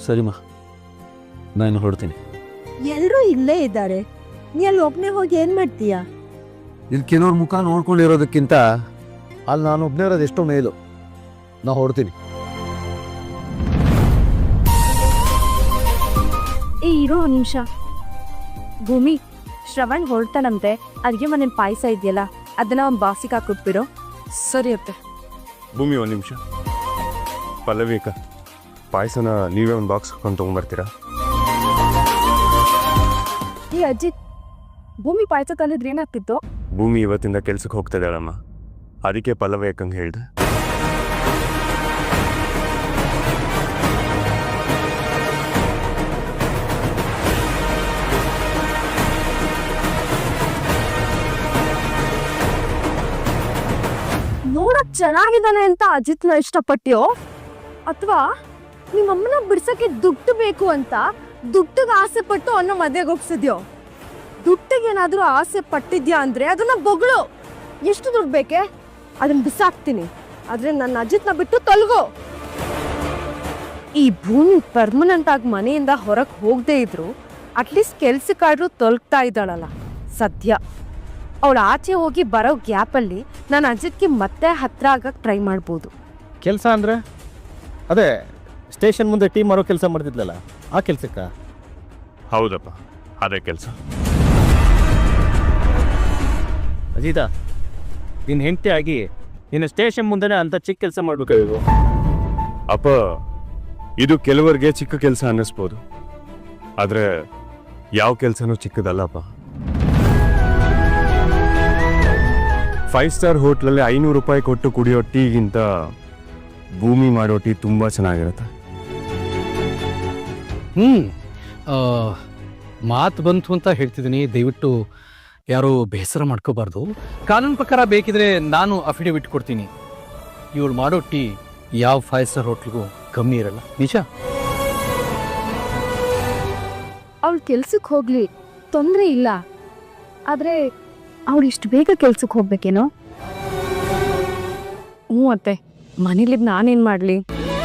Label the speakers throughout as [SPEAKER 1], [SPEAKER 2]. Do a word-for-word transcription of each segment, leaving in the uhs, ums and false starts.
[SPEAKER 1] ಸರಿಮಾ, ನಾನು ಹೊರಡ್ತೀನಿ.
[SPEAKER 2] ಎಲ್ಲರೂ ಇಲ್ಲೇ ಇದ್ದಾರೆ, ನೀ ಅಲ್ಲಿ ಒಬ್ಬನೇ ಹೋಗಿ ಏನು ಮಾಡ್ತೀಯಾ?
[SPEAKER 1] ಇಲ್ಲಿ ಕೆಲವ್ರ ಮುಖ ನೋಡ್ಕೊಂಡಿರೋದಕ್ಕಿಂತ ಅಲ್ಲಿ ನಾನು ಒಬ್ಬನೇ ಇರೋದು ಎಷ್ಟೋ ಮೇಲು. ನಾ ಹೊರಡ್ತೀನಿ.
[SPEAKER 3] ಏ ಇರೋ ಒಂದು ನಿಮಿಷ. ಭೂಮಿ, ಶ್ರವಣ್ ಹೊರಡ್ತಾನಂತೆ, ಅಡುಗೆ ಮನೇಲಿ ಪಾಯಸ ಇದೆಯಲ್ಲ ಅದನ್ನ ಒಂದು ಬಾಕ್ಸಿಗೆ ಹಾಕ್ಬಿಟ್ಬಿಡು.
[SPEAKER 4] ಸರಿ ಅತ್ತೆ.
[SPEAKER 5] ಭೂಮಿ ಒಂದು ನಿಮಿಷ. ಪಲ್ಲವಿಕ, ಪಾಯಸನ ನೀವೇ ಒಂದು ಬಾಕ್ಸ್ ಹಾಕೊಂಡು ತೊಗೊಂಡ್ಬರ್ತೀರಾ?
[SPEAKER 3] ಈ ಅಜ್ಜಿ, ಭೂಮಿ ಪಾಯಸ ತಂದಿದ್ರೆ ಏನಾಗ್ತಿತ್ತು?
[SPEAKER 5] ಭೂಮಿ ಇವತ್ತಿಂದ ಕೆಲ್ಸಕ್ಕೆ ಹೋಗ್ತಾ ಇದ್ದಾಳಮ್ಮ, ಅದಕ್ಕೆ ಪಲ್ಲವಿ ಯಾಕಂಗೆ ಹೇಳ್ದೆ.
[SPEAKER 3] ನೋಡಕ್ ಚೆನ್ನಾಗಿದ್ದಾನೆ ಅಂತ ಅಜಿತ್ನ ಇಷ್ಟಪಟ್ಟ್ಯೋ, ಅಥವಾ ನಿಮ್ಮಮ್ಮನ ಬಿಡ್ಸಕ್ಕೆ ದುಡ್ಡು ಬೇಕು ಅಂತ ದುಡ್ಡಿಗೆ ಆಸೆ ಪಟ್ಟು ಅನ್ನೋ ಮದುವೆಗೆ ಹೋಗ್ಸಿದ್ಯೋ? ದುಡ್ಡಿಗೇನಾದ್ರೂ ಆಸೆ ಪಟ್ಟಿದ್ಯಾ ಅಂದ್ರೆ ಅದನ್ನ ಬೊಗಳು. ಎಷ್ಟು ದುಡ್ಡು ಬೇಕೆ ಅದನ್ನ ಬಿಸಾಕ್ತೀನಿ, ಆದ್ರೆ ನನ್ನ ಅಜಿತ್ನ ಬಿಟ್ಟು ತೊಲಗೋ. ಈ ಭೂಮಿ ಪರ್ಮನೆಂಟ್ ಆಗಿ ಮನೆಯಿಂದ ಹೊರಗೆ ಹೋಗದೆ ಇದ್ರು ಅಟ್ಲೀಸ್ಟ್ ಕೆಲ್ಸಕ್ಕಾದ್ರೂ ತೊಲಗ್ತಾ ಇದ್ದಾಳಲ್ಲ ಸದ್ಯ. ಅವಳು ಆಚೆ ಹೋಗಿ ಬರೋ ಗ್ಯಾಪಲ್ಲಿ ನಾನು ಅಜಿತ್ಗೆ ಮತ್ತೆ ಹತ್ರ ಆಗಕ್ಕೆ ಟ್ರೈ ಮಾಡ್ಬೋದು.
[SPEAKER 6] ಕೆಲಸ ಅಂದರೆ ಅದೇ ಸ್ಟೇಷನ್ ಮುಂದೆ ಟೀಮ್ ಮಾಡೋ ಕೆಲಸ ಮಾಡ್ತಿದ್ಲಲ್ಲ, ಆ ಕೆಲಸಕ್ಕ?
[SPEAKER 5] ಹೌದಪ್ಪ, ಅದೇ ಕೆಲಸ.
[SPEAKER 6] ಅಜಿತ, ನಿನ್ನ ಹೆಂಡತಿ ಆಗಿ ನಿನ್ನ ಸ್ಟೇಷನ್ ಮುಂದೆನೇ ಅಂತ ಚಿಕ್ಕ ಕೆಲಸ ಮಾಡ್ಬೇಕಾಗಿತ್ತು.
[SPEAKER 5] ಅಪ್ಪ, ಇದು ಕೆಲವರಿಗೆ ಚಿಕ್ಕ ಕೆಲಸ ಅನ್ನಿಸ್ಬೋದು, ಆದರೆ ಯಾವ ಕೆಲಸನೂ ಚಿಕ್ಕದಲ್ಲಪ್ಪ. ಫೈವ್ ಸ್ಟಾರ್ ಹೋಟ್ಲಲ್ಲಿ ಐನೂರು ರೂಪಾಯಿ ಕೊಟ್ಟು ಕುಡಿಯೋ ಟೀಗಿಂತ ಭೂಮಿ ಮಾಡೋ ಟೀ ತುಂಬ ಚೆನ್ನಾಗಿರುತ್ತೆ.
[SPEAKER 7] ಹ್ಞೂ ಮಾತು ಬಂತು ಅಂತ ಹೇಳ್ತಿದ್ದೀನಿ, ದಯವಿಟ್ಟು ಯಾರೂ ಬೇಸರ ಮಾಡ್ಕೋಬಾರ್ದು. ಕಾನೂನು ಪ್ರಕಾರ ಬೇಕಿದ್ರೆ ನಾನು ಅಫಿಡವಿಟ್ ಕೊಡ್ತೀನಿ. ಇವಳು ಮಾಡೋ ಟೀ ಯಾವ ಫೈವ್ ಸ್ಟಾರ್ ಹೋಟ್ಲಿಗೂ ಕಮ್ಮಿ ಇರಲ್ಲ, ನಿಜ.
[SPEAKER 3] ಅವಳು ಕೆಲ್ಸಕ್ಕೆ ಹೋಗ್ಲಿ, ತೊಂದರೆ ಇಲ್ಲ. ಆದರೆ ಅವಳು ಇಷ್ಟು ಬೇಗ ಕೆಲ್ಸಕ್ಕೆ ಹೋಗ್ಬೇಕೇನೋ? ಹ್ಞೂ ಅತ್ತೆ, ಮನೇಲಿದ್ದು ನಾನೇನು ಮಾಡಲಿ?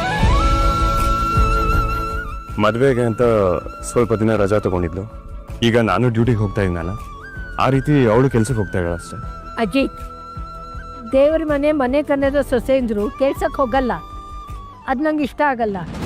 [SPEAKER 5] ಮದುವೆಗೆ ಅಂತ ಸ್ವಲ್ಪ ದಿನ ರಜಾ ತಗೊಂಡಿದ್ಲು. ಈಗ ನಾನು ಡ್ಯೂಟಿಗೆ ಹೋಗ್ತಾ ಇದ್ದೀನಲ್ಲ, ಆ ರೀತಿ ಅವಳು ಕೆಲ್ಸಕ್ಕೆ ಹೋಗ್ತಾ ಇದ್ದಾಳೆ ಅಷ್ಟೇ.
[SPEAKER 2] ಅಜ್ಜಿ, ದೇವ್ರ ಮನೆ ಮನೆ ಕನ್ನದ ಸೊಸೆ ಅಂದ್ರು ಕೆಲ್ಸಕ್ಕೆ ಹೋಗಲ್ಲ, ಅದು ನಂಗೆ ಇಷ್ಟ ಆಗಲ್ಲ.